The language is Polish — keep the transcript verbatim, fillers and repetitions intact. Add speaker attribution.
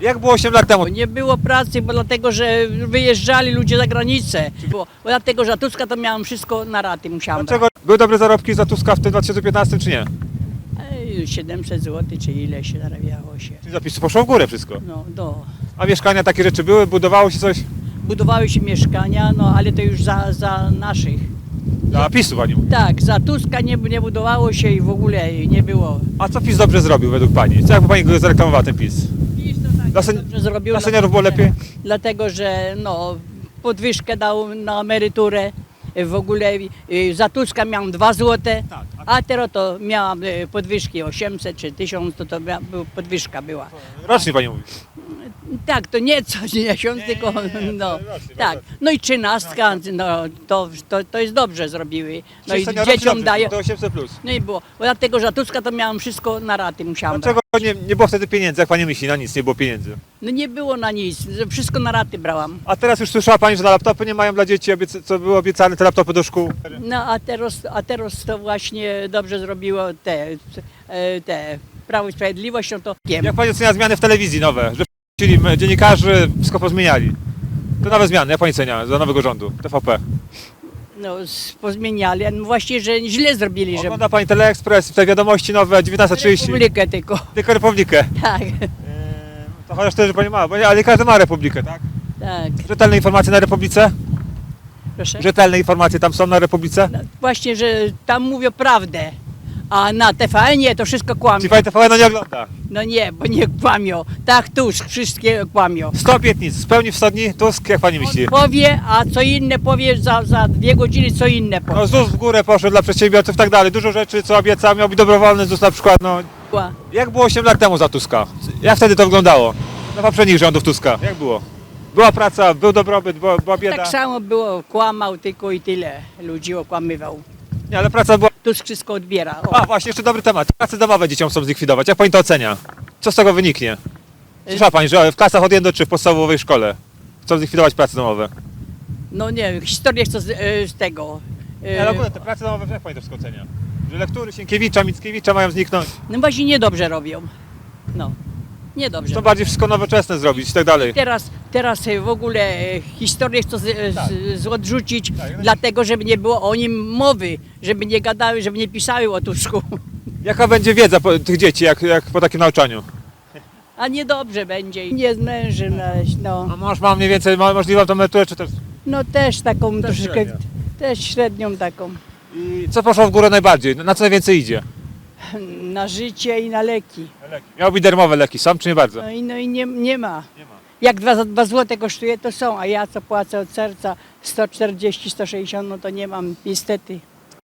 Speaker 1: Jak było osiem lat temu?
Speaker 2: Nie było pracy, bo dlatego, że wyjeżdżali ludzie za granicę. Bo, bo dlatego, że Tuska to miałem wszystko na raty, musiałam
Speaker 1: Dlaczego? Były dobre zarobki za Tuska w tym dwa tysiące piętnastym czy nie?
Speaker 2: brać. siedemset złotych, czy ile się zarabiało się.
Speaker 1: Czyli zapisy poszło w górę wszystko.
Speaker 2: No, do.
Speaker 1: A mieszkania, takie rzeczy były? Budowało się coś?
Speaker 2: Budowały się mieszkania, no ale to już za, za naszych.
Speaker 1: Dla PiSu pani mówi.
Speaker 2: Tak, za Tuska nie, nie budowało się i w ogóle nie było.
Speaker 1: A co PiS dobrze zrobił według pani? Co jakby pani go zareklamowała ten PiS? Dla, sen...
Speaker 2: Dobrze zrobił,
Speaker 1: Dla seniorów było
Speaker 2: dlatego,
Speaker 1: lepiej?
Speaker 2: że- Dlatego, że no, podwyżkę dał na emeryturę. W ogóle y, za Tuska miałam dwa złote,
Speaker 1: Tak,
Speaker 2: a teraz to miałam y, podwyżki osiemset czy tysiąc, to, to mia, był- podwyżka była.
Speaker 1: Rocznie pani mówi.
Speaker 2: Tak, to nie co miesiąc, tylko no,
Speaker 1: rocznie,
Speaker 2: tak.
Speaker 1: rocznie.
Speaker 2: No i trzynastka, no, to, to, to jest dobrze zrobiły. No
Speaker 1: Czyli
Speaker 2: i
Speaker 1: seniorom czy
Speaker 2: dzieciom
Speaker 1: dobrze?
Speaker 2: daje.
Speaker 1: Do osiemset plus.
Speaker 2: No i było. Bo dlatego, że Tuska to miałam wszystko na raty, musiałam brać.
Speaker 1: Dlaczego nie, nie było wtedy pieniędzy? Jak pani myśli? Na nic nie było pieniędzy.
Speaker 2: No nie było na nic, wszystko na raty brałam.
Speaker 1: A teraz już słyszała pani, że na laptopy nie mają dla dzieci, obiecy- co było obiecane, te laptopy do szkół.
Speaker 2: No a teraz, a teraz to właśnie dobrze zrobiło te, e, te Prawo i Sprawiedliwość, no to wiem.
Speaker 1: Jak pani ocenia zmiany w telewizji nowe? Że czyli dziennikarzy wszystko pozmieniali. To nowe zmiany, jak pani ocenia za nowego rządu? T V P.
Speaker 2: No s- pozmieniali, no właśnie, że źle zrobili, że
Speaker 1: Ogląda pani Teleekspres, te wiadomości nowe, dziewiętnasta trzydzieści.
Speaker 2: Republikę tylko,
Speaker 1: Tylko Republikę.
Speaker 2: tak,
Speaker 1: To chociaż też, że pani ma, bo nie, ale każdy ma Republikę, tak?
Speaker 2: tak,
Speaker 1: Rzetelne informacje na Republice?
Speaker 2: proszę.
Speaker 1: Rzetelne informacje tam są na Republice?
Speaker 2: No, właśnie, że tam mówią prawdę, a na T V N-ie to wszystko kłamią.
Speaker 1: Czyli pani T V N nie ogląda.
Speaker 2: No nie, bo nie kłamią, tak Tusk, wszystkie kłamią.
Speaker 1: sto obietnic, spełni w sto dni Tusk, jak pani myśli?
Speaker 2: Powie, a co inne powie za, za dwie godziny, co inne powie.
Speaker 1: No ZUS w górę poszedł dla przedsiębiorców i tak dalej. Dużo rzeczy, co obiecał, miał być dobrowolny ZUS na przykład, no. Jak było osiem lat temu za Tuska? Jak wtedy to wyglądało? Na poprzednich rządów Tuska, jak było? Była praca, był dobrobyt, była, była bieda.
Speaker 2: Tak samo było, kłamał tylko i tyle, ludzi okłamywał.
Speaker 1: Nie, ale praca była...
Speaker 2: Tusk wszystko odbiera. O.
Speaker 1: A właśnie, jeszcze dobry temat. Prace domowe dzieciom chcą zlikwidować. Jak pani to ocenia? Co z tego wyniknie? Słyszała pani, że w klasach od jeden do trzech w podstawowej szkole chcą zlikwidować prace domowe.
Speaker 2: No nie, historię chcę z, e, z tego. e,
Speaker 1: Nie, ale ogólnie te prace domowe, jak pani to wszystko ocenia? Że lektury Sienkiewicza, Mickiewicza mają zniknąć.
Speaker 2: No właśnie niedobrze robią. No, niedobrze.
Speaker 1: Chcą bardziej wszystko nowoczesne zrobić i tak dalej.
Speaker 2: Teraz, teraz e, w ogóle e, historię chcę z, e,
Speaker 1: Tak.
Speaker 2: z, z odrzucić,
Speaker 1: Tak, ja
Speaker 2: dlatego żeby nie było o nim mowy, żeby nie gadały, żeby nie pisały o Tusku.
Speaker 1: Jaka będzie wiedza po, tych dzieci, jak, jak po takim nauczaniu?
Speaker 2: A niedobrze będzie. Nie zmęży, no.
Speaker 1: A mąż ma mniej więcej ma możliwą tą emeryturę, czy też...
Speaker 2: No też taką troszeczkę,
Speaker 1: średnio.
Speaker 2: też średnią taką.
Speaker 1: I co poszło w górę najbardziej? Na co najwięcej idzie?
Speaker 2: Na życie i na leki.
Speaker 1: Leki. Miały być darmowe leki, sam czy nie bardzo?
Speaker 2: No i, no i nie, nie ma.
Speaker 1: Nie ma.
Speaker 2: Jak dwa, za dwa złote kosztuje, to są, a ja co płacę od serca sto czterdzieści, sto sześćdziesiąt, no to nie mam niestety.